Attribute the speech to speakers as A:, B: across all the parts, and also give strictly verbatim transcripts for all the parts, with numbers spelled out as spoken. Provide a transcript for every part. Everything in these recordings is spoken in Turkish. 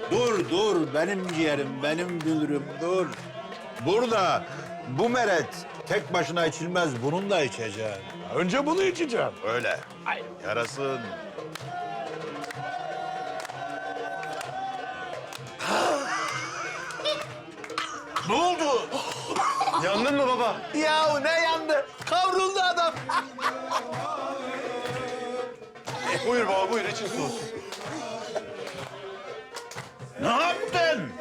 A: Dur, dur. Benim ciğerim, benim dünürüm, dur. Burada bu meret tek başına içilmez. Bunun da içeceğim.
B: Önce bunu içeceğim.
A: Öyle. Ay. Yarasın. Ne oldu?
B: Yandın mı baba?
A: Ya ne yandı? Kavruldu adam.
B: Buyur baba, buyur. için soğusun.
A: Ne yaptın?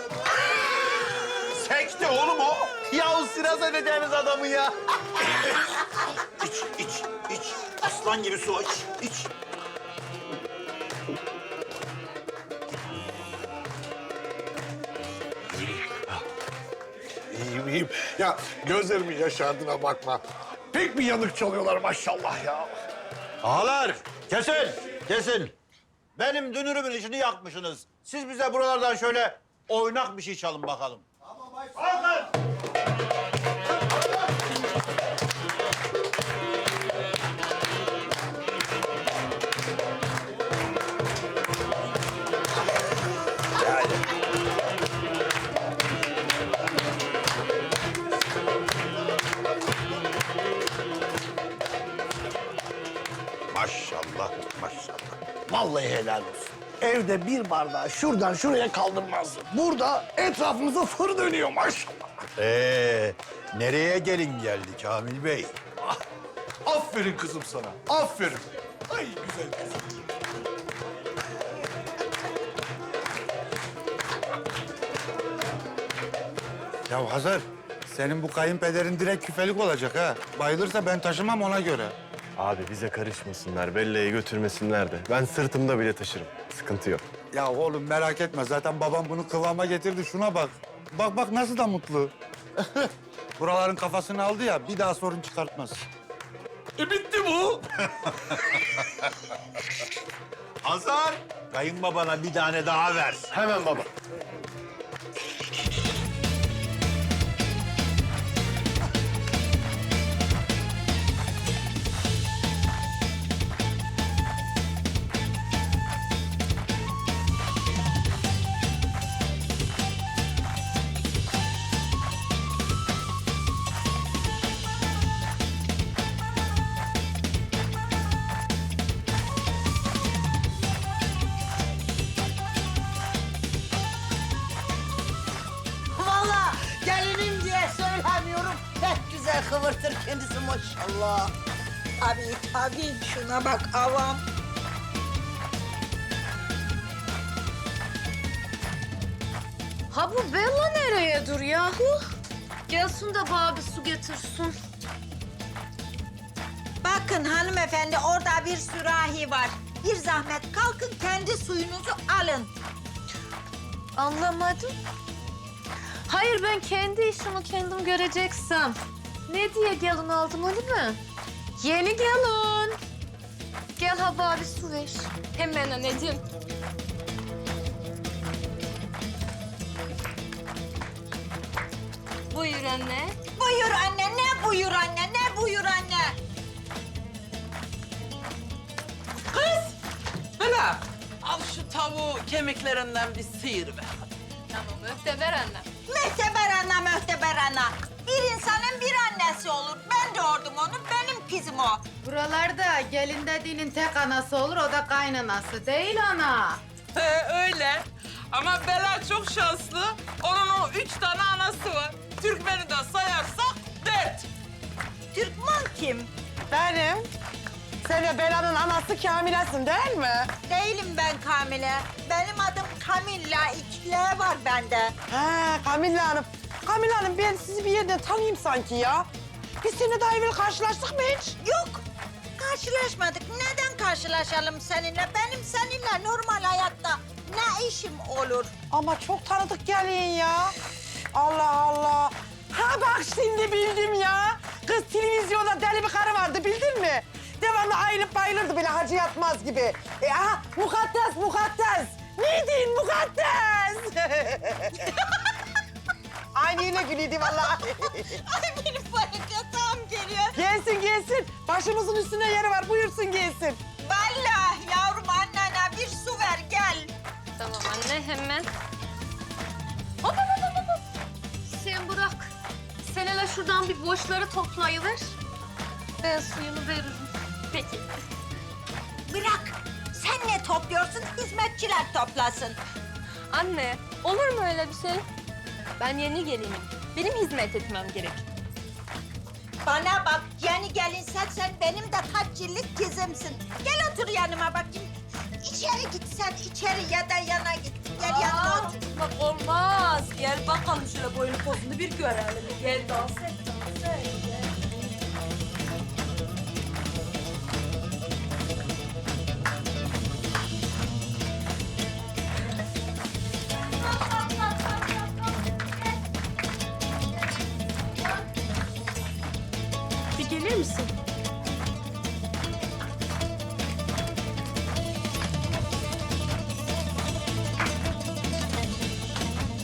A: Sekti oğlum o. Ya siraz edeceğiniz adamı ya. iç, iç, iç. Aslan gibi su iç, iç.
B: İyiyim, iyiyim. Ya gözlerimin yaşardığına bakma. Pek bir yanık çalıyorlar maşallah ya.
A: Ağalar, kesin, kesin. Benim dünürümün işini yakmışsınız. Siz bize buralardan şöyle oynak bir şey çalın bakalım. Kalkın! Maşallah, maşallah.
B: Vallahi helal olsun. Evde bir bardağı şuradan şuraya kaldırmazdı. Burada etrafımıza fır dönüyor maşallah.
A: Ee, nereye gelin geldi Kamil Bey?
B: Aferin kızım sana, aferin. Ay güzel kızım.
C: Ya Hazar, senin bu kayınpederin direkt küfelik olacak ha. Bayılırsa ben taşımam ona göre.
D: Abi bize karışmasınlar, Bella'yı götürmesinler de. Ben sırtımda bile taşırım. Sıkıntı yok.
C: Ya oğlum merak etme, zaten babam bunu kıvama getirdi. Şuna bak. Bak bak nasıl da mutlu. Buraların kafasını aldı ya, bir daha sorun çıkartmaz.
B: E bitti bu.
A: Hazar, kayınbabana bir tane daha ver.
B: Hemen baba.
E: Vallahi gelinim diye söylemiyorum. Pek güzel kıvırtır kendisi maşallah. Tabii tabii şuna bak avam.
F: Ha bu Bella nereye dur yahu? Gelsin de bana bir su getirsin.
E: Bakın hanımefendi orada bir sürahi var. Bir zahmet kalkın kendi suyunuzu alın.
F: Anlamadım. Hayır ben kendi işimi kendim göreceksem. Ne diye gelin aldım öyle mi? Yeni gelin. Gel ha bana bir su ver. Hemen anneciğim. Buyur anne.
E: Buyur anne ne buyur anne ne buyur anne.
G: Kız! Bana al şu tavuğu kemiklerinden bir sıyır be.
F: Tamam öfte ver anne.
E: Mehteber ana möhteber ana. Bir insanın bir annesi olur. Ben doğurdum onu benim kızım o.
H: Buralarda gelin dediğinin tek anası olur, o da kaynanası değil ana.
G: He, öyle. Ama Bela çok şanslı. Onun o üç tane anası var. Türkmen'i de sayarsak dört.
E: Türkmen kim?
I: Benim. Sen de Bela'nın anası Kamile'sin değil mi?
E: Değilim ben Kamile. Benim adım Kamilla. İki L var bende.
I: Ha, Kamile Hanım. Kamile Hanım ben sizi bir yerden tanıyayım sanki ya. Biz seninle daha evvel karşılaştık mı hiç?
E: Yok. Karşılaşmadık. Neden karşılaşalım seninle? Benim seninle normal hayatta ne işim olur?
I: Ama çok tanıdık gelin ya. Allah Allah. Ha bak şimdi bildim ya. Kız televizyonda deli bir karı vardı bildin mi? Devamlı ayılıp bayılırdı böyle Hacı Yatmaz gibi. E, aha mukaddes mukaddes. Neydin mukaddes? Aynı yine gülüyordu vallahi.
E: Ay benim balıkatağım geliyor.
I: Gelsin gelsin. Başımızın üstünde yeri var. Buyursun gelsin.
E: Vallahi yavrum annene bir su ver gel.
F: Tamam anne hemen. Hop hop hop hop, hop. Sen bırak. Sen hele şuradan bir boşları toplayıver. Ben suyunu veririm.
E: Peki. Bırak. Sen ne topluyorsun? Hizmetçiler toplasın.
F: Anne, olur mu öyle bir şey? Ben yeni gelinim. Benim hizmet etmem gerek.
E: Bana bak, yeni gelinsen sen benim de kaç yıllık kızımsın. Gel otur yanıma bakayım. İçeri git sen, içeri ya da yana git. Gel yanıma otur.
F: Bak olmaz. Gel bakalım şöyle boyun posunu bir görelim. Gel dans et, dans et. Bir gelir misin?